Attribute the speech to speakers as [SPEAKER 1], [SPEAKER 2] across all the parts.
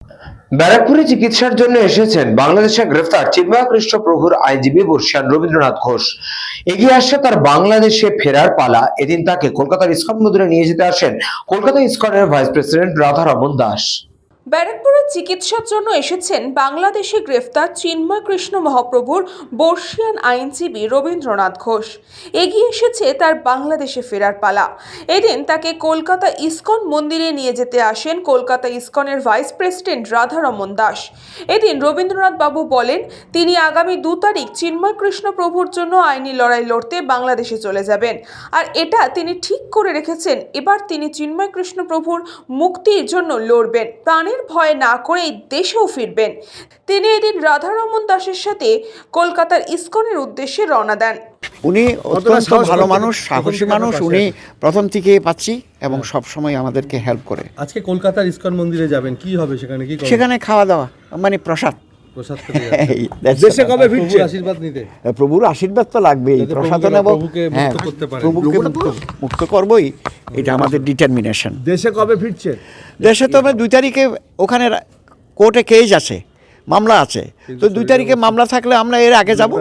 [SPEAKER 1] ব্যারাকপুরে চিকিৎসার জন্য এসেছেন বাংলাদেশে গ্রেফতার চিন্ময় কৃষ্ণ প্রভুর আইনজীবী বর্ষিয়ান রবীন্দ্রনাথ ঘোষ। এগিয়ে আসছে তার বাংলাদেশে ফেরার পালা। এদিন তাকে কলকাতার ইসকন মন্দিরে নিয়ে যেতে আসেন কলকাতা ইসকনের ভাইস প্রেসিডেন্ট রাধারমন দাস।
[SPEAKER 2] ব্যারাকপুরে চিকিৎসার জন্য এসেছেন বাংলাদেশে গ্রেফতার চিন্ময় কৃষ্ণ মহাপ্রভুর বর্ষিয়ান আইনজীবী রবীন্দ্রনাথ ঘোষ। এগিয়ে এসেছে তার বাংলাদেশে ফেরার পালা। এদিন তাকে কলকাতা ইসকন মন্দিরে নিয়ে যেতে আসেন কলকাতা ইসকনের ভাইস প্রেসিডেন্ট রাধারমন দাস। এদিন রবীন্দ্রনাথ বাবু বলেন তিনি আগামী 2 তারিখ চিন্ময় কৃষ্ণ প্রভুর জন্য আইনি লড়াই লড়তে বাংলাদেশে চলে যাবেন। আর এটা তিনি ঠিক করে রেখেছেন, এবার তিনি চিন্ময় কৃষ্ণ প্রভুর মুক্তির জন্য লড়বেন, প্রাণের ভয় না করে দেশেও ফিরবেন। তিনি এদিন রাধারমন দাসের সাথে কলকাতার ইসকনের উদ্দেশ্যে রওনা দেন।
[SPEAKER 3] উনি অত্যন্ত ভালো মানুষ, সাহসী মানুষ। উনি প্রথম থেকে পাচ্ছি এবং সব সময় আমাদেরকে হেল্প করে।
[SPEAKER 4] আজকে কলকাতার ইসকন মন্দিরে যাবেন, কি হবে সেখানে? কি করবেন?
[SPEAKER 3] সেখানে খাওয়া দাওয়া মানে প্রসাদ।
[SPEAKER 4] প্রসাদ খেতে যাচ্ছেন।
[SPEAKER 3] এই, that's
[SPEAKER 4] দেশে
[SPEAKER 3] all.
[SPEAKER 4] কবে ফিরছেন? আশীর্বাদ নিতে।
[SPEAKER 3] প্রভুর আশীর্বাদ তো লাগবেই,
[SPEAKER 4] যাতে
[SPEAKER 3] প্রসাদ
[SPEAKER 4] প্রভুকে-
[SPEAKER 3] নেব।
[SPEAKER 4] প্রভুকে মুক্ত করতে পারেন।
[SPEAKER 3] প্রভুকে মুক্ত করবই, এটা আমাদের ডিটারমিনেশন।
[SPEAKER 4] দেশে কবে ফিরছেন?
[SPEAKER 3] দেশে তো আমরা 2 তারিখে ওখানে কোর্টে কেস আছে, মামলা আছে। তো 2 তারিখে মামলা থাকলে আমরা এর আগে যাব।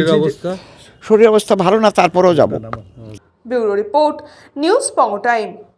[SPEAKER 4] শরীরের অবস্থা
[SPEAKER 3] শরীর অবস্থা ভালো না, তারপরেও যাব।
[SPEAKER 2] ব্যুরো রিপোর্ট, নিউজ পঙ্গ টাইম।